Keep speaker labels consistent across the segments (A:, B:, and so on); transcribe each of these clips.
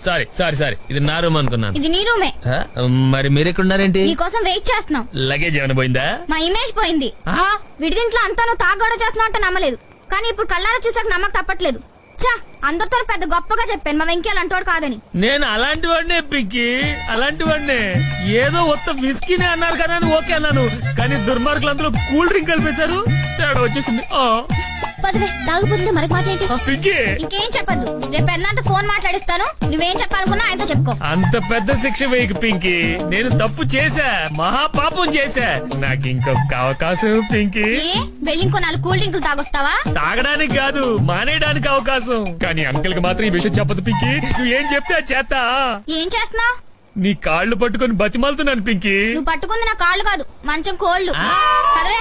A: Sorry sorry sorry, ఇది నా room అనుకున్నాను.
B: ఇది నీ రూమే.
A: మరి మీరు ఎక్కడ ఉన్నారేంటి?
B: నీ కోసం వెయిట్ చేస్తున్నాం.
A: లగేజ్ ఏమైనా పోయిందా?
B: మా ఇమేజ్ పోయింది. విడిదింట్లో అంతా నువ్వు తాగొడ చేస్తున్నా అంటే నమ్మలేదు, కానీ ఇప్పుడు కళ్ళారా చూసాక నమ్మక తప్పట్లేదు. చా, అందరితో పెద్ద గొప్పగా చెప్పాను మా వెంకీ అలాంటి కాదని.
A: నేను అలాంటి వాడినే పింకీ, అలాంటి వాడినే. ఏదో ఒక్క విస్కీనే అన్నారు కదా అని ఓకే అన్నాను, కానీ దుర్మార్గులు అందరూ కూల్ డ్రింక్ కలిపేశారు, తేడా వచ్చేసింది.
B: పదవే, తాగుపోతుంది మనకి మాట్లాడి.
A: పింకీ
B: ఇంకేం చెప్పద్దు, రేపు పెద్ద ఫోన్ మాట్లాడిస్తాను, నువ్వేం చెప్పాలనుకున్నా ఆయనతో చెప్పుకో.
A: అంత పెద్ద శిక్ష వేయకు పింకీ, నేను తప్పు చేశా, మహాపాపం చేశా, నాకు ఇంకొక అవకాశం పింకీ.
B: వెళ్ళి ఇంకో 4 కూల్ డ్రింకులు తాగొస్తావా?
A: తాగడానికి కాదు, మానేయడానికి అవకాశం. కానీ అంకుల్ కి మాత్రం ఈ విషయం చెప్పదు పింకీ, నువ్వు ఏం చెప్తే అది చేస్తా.
B: ఏం చేస్తున్నావు?
A: నీ కాళ్ళు పట్టుకొని బతిమాలుతున్నాను పింకీ.
B: నువ్వు పట్టుకుంది నా కాళ్ళు కాదు, మంచం కోళ్ళు. పదవే.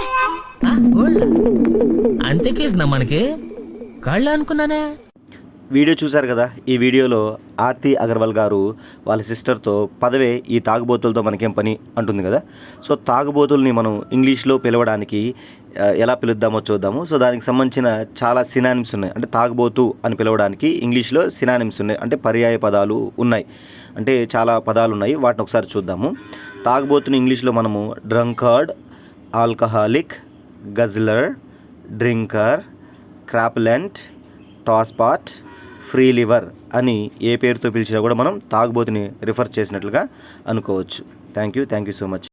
A: అంతేకేసినా మనకి కాళ్ళు అనుకున్నానే.
C: వీడియో చూశారు కదా. ఈ వీడియోలో ఆర్తి అగర్వాల్ గారు వాళ్ళ సిస్టర్తో పదవే ఈ తాగుబోతులతో మనకేం పని అంటుంది కదా. సో తాగుబోతుల్ని మనం ఇంగ్లీష్లో పిలవడానికి ఎలా పిలుద్దామో చూద్దాము. సో దానికి సంబంధించిన చాలా సినానిమ్స్ ఉన్నాయి. అంటే తాగుబోతు అని పిలవడానికి ఇంగ్లీష్లో సినానిమ్స్ ఉన్నాయి, అంటే పర్యాయ పదాలు ఉన్నాయి, అంటే చాలా పదాలు ఉన్నాయి. వాటిని ఒకసారి చూద్దాము. తాగుబోతుని ఇంగ్లీష్లో మనము drunkard, alcoholic, guzzler, drinker, crapulent, tosspot, free liver అని ఏ పేరుతో పిలిచినా కూడా మనం తాగుబోతుని రిఫర్ చేసినట్లుగా అనుకోవచ్చు. Thank you so much.